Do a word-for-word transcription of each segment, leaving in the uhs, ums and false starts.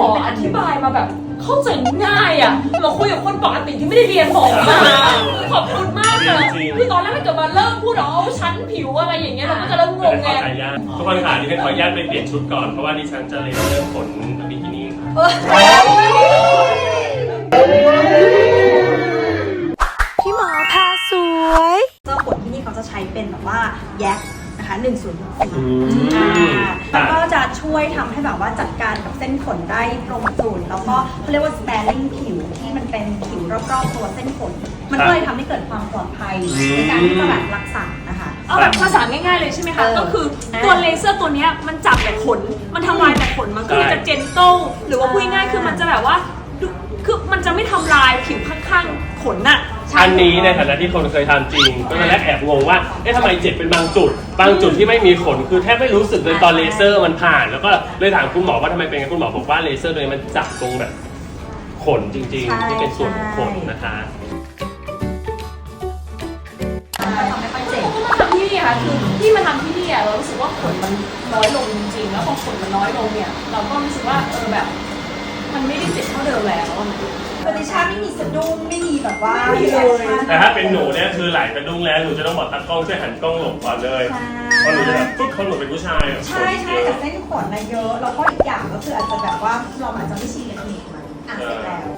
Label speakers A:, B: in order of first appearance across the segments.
A: ออธิบายมาแบบเข้าใจง่ายอ่ะมาคุยกับคนปกติที่ไม่ได้เรียนหมอมาขอบคุณมากเลยคือตอนแรกถ้าเกิดมาเริ่มพูดอ๋อชั้นผิวอะไรอย่างเงี้ยเราก็จะเริ่มงงไง
B: ทุกคนค่ะดิฉันขออนุญาตไปเปลี่ยนชุดก่อนเพราะว่าดิฉันจะเลยเริ่มขนบิกินี่ค่ะ
C: พี่หมอพาสวยเจ้าขนที่นี่เขาจะใช้เป็นแบบว่าแยกนะคะหนึ่งศูนย์สี่แล้วก็จะช่วยทำให้แบบว่าจัดการกับเส้นขนได้ตรงจุดแล้วก็เขาเรียกว่า sparing ผิวที่มันเป็นผิวรอบๆตัวเส้นขนมันก็เลยทำให้เกิดความปลอดภัยในการที่จะแบบรักษานะคะ
A: เอาแบบภาษาง่ายๆเลยใช่ไหมคะก็คือตัวเลเซอร์ตัวนี้มันจับแต่ขนมันทำลายแต่ขนมันก็จะเจนโต้หรือว่าพูดง่ายๆคือมันจะแบบว่าคือมันจะไม่ทำลายผิวข้างๆขนน่ะ
B: อันนี้ในฐานะที่คนเคยทำจริงก็ตอนแรกแอบงงว่าเอ๊ะทำไมเจ็บเป็นบางจุดบางจุดที่ไม่มีขนคือแทบไม่รู้สึกเลยตอนเลเซอร์มันผ่านแล้วก็เลยถามคุณหมอว่าทำไมเป็นไงคุณหมอบอกว่าเลเซอร์ตัวนี้มันจับตรงแบบขนจริงๆที่เป็นส่วนของขนนะคะ
A: ทำไม่ค่อยเจ็บทำที่นี่ค่ะคือที่มาทำที่นี่เรารู้สึกว่าขนมันน้อยลงจริงๆแล้วพอขนมันน้อยลงเนี่ยเราก็รู้สึกว่าเออแบบมันไม่ได้เจ็บเท่าเดิมแล้ว
C: ปฏิชาไม่มีสะดุ้งไม่มีแบบว่า
B: แต่ถ้าเป็นหนูเนี่ยคือหลายกระดุ้งแล้วหนูจะต้องบอกตากล้องช่วยหันกล้องหลบก่อนเลยเพราะหนูจะแบบปุ๊บเขาหนูเป็นผู้ชาย
C: ใช่ใช่แต่เส้นขนนะเยอะแล้วก็อีกอย่างก็คืออาจจะแบบว่าเราอาจจะไม่ชินกับเทคนิคมันอ่ะเสร็จแล้ว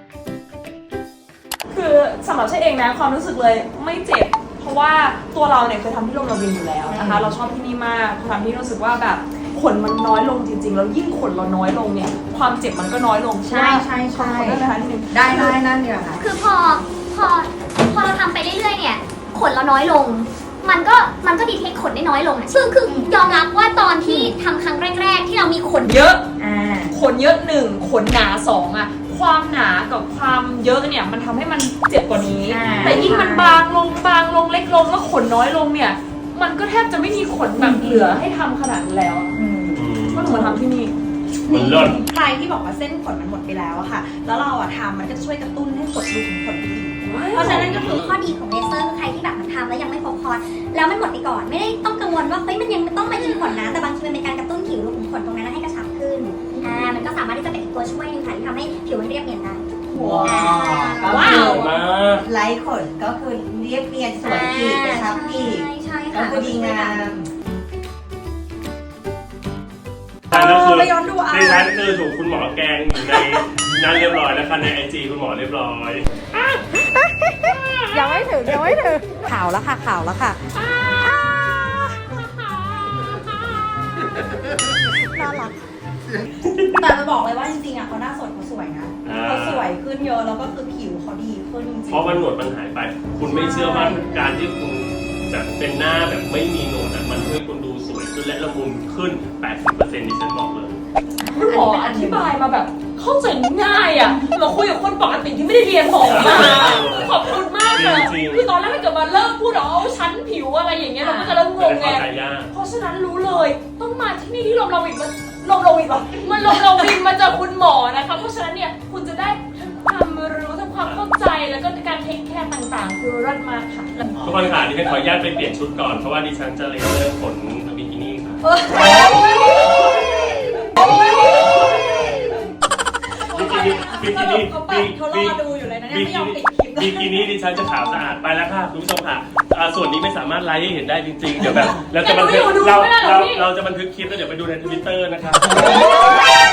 A: คือสำหรับใช่เองนะความรู้สึกเลยไม่เจ็บเพราะว่าตัวเราเนี่ยเคยทำที่โรงพยาบาลอยู่แล้วนะคะเราชอบที่นี่มากทำที่รู้สึกว่าแบบขนมันน้อยลงจริงๆแล้วยิ่งขนเราน้อยลงเนี่ยความเจ็บมันก็น้อยลง
C: ใช่ใช่ใช่
A: ได้ไหมคะนิดนึง
C: ได้ได้นั่นเดียวค่ะ
D: คือพอพอพอเราทำไปเรื่อยๆเนี่ยขนเราน้อยลงมันก็มันก็ดีเทคขนได้น้อยลงอ่ะซึ่งคือยอมรับว่าตอนที่ทำครั้งแรกๆที่เรามีขน
A: เยอะขนเยอะหนึ่งขนหนาสองอ่ะความหนากับความเยอะเนี่ยมันทำให้มันเจ็บกว่านี้แต่ยิ่งมันบางลงบางลงเล็กลงแล้วขนน้อยลงเนี่ยมันก็แทบจะไม่มีขนแบบเหลือให้ทำขนาดนั้นแล้วก็หนูมาทำที่นี่
C: ใครที่บอกว่าเส้นขนมันหมดไปแล้วอะค่ะแล้วเราอะทำมันก็จะช่วยกระตุ้นให้ขนดูถึงขนดีเพราะฉะนั้นก็คือ
D: ข้อดีของเลเซอร์คือใครที่แบบมันทำแล้วยังไม่ครบคอร์สแล้วมันหมดไปก่อนไม่ได้ต้องกังวลว่าเฮ้ยมันยังต้องมายิงขนนะแต่บางทีมันเป็นการกระตุ้นผิวรูขุมขนตรงนั้นให้กระชับขึ้นอ่ามันก็สามารถที่จะเป็นตัวช่วยนึงค่ะที่ทำให้ผิวมันเรียบเนียนได้
C: ว้าวไร้ขนก็คือเรียบเนียนสวยอีกกระชับอีกก็คือดีงาม
B: นั่นคือดิฉันคือถูกคุณหมอแกงอยู่ในนั้นเรียบร้อยแล้วค่ะในไอจีคุณหมอเรียบร้อย
C: ยังไม่ถึงยังไม่ถึงข่าวแล้วค่ะข่าวแล้วค่ะน่ารักแต่จะบอกเลยว่าจริงๆอ่ะเขาหน้าสดเขาสวยนะเขาสวยขึ้นเยอะแล้วก็คือผิวเขาดีขึ้นจริง
B: เพราะมันหนวดมันหายไปคุณไม่เชื่อว่าการที่คุณแบบเป็นหน้าแบบไม่มีหนวดมันช่วยคุณดูสวยขึ้นและละมุนขึ้น แปดสิบเปอร์เซ็นต์ ดิฉันบอกเลย
A: คุณหมออธิบายมาแบบเข้าใจง่ายอ่ะมาคุยกับคนปกติที่ไม่ได้เรียนหมอมาขอบคุณมากเลยคือตอนแรกถ้าเกิดมาเริ่มพูดอ๋อชั้นผิวอะไรอย่างเงี้ยเราก็จะเริ่มงงไงเพราะฉะนั้นรู้เลยต้องมาที่นี่ที่ลมเราอีกมันลมเราอีกหรอมันลมเราวินมาจากคุณหมอนะคะเพราะฉะนั้นเนี่ยคุณจะได้ทั้งความรู้ทั้งความเข้าใจแล้วก็การเทคแคร์ต่างๆคือรัดมากค่ะ
B: ทุกคนค่ะดิฉันขออนุญาตไปเปลี่ยนชุดก่อนเพราะว่าดิฉันจะเลยเริ่มขนบิกินี่ค่ะบิกินี่บิกินี่
C: เขารอดูอยู่เลยนะเนี่ยไม่ยอมปิดคลิป
B: บิกินี่ดิฉันจะขาวสะอาดไปแล้วค่ะคุณผู้ชมค่ะส่วนนี้ไม่สามารถไลฟ์ให้เห็นได้จริงๆเดี๋ยวแบบเราจะบันทึกเราเราเราจะบันทึกคลิปแล้วเดี๋ยวไปดูในทวิตเตอร์นะครับ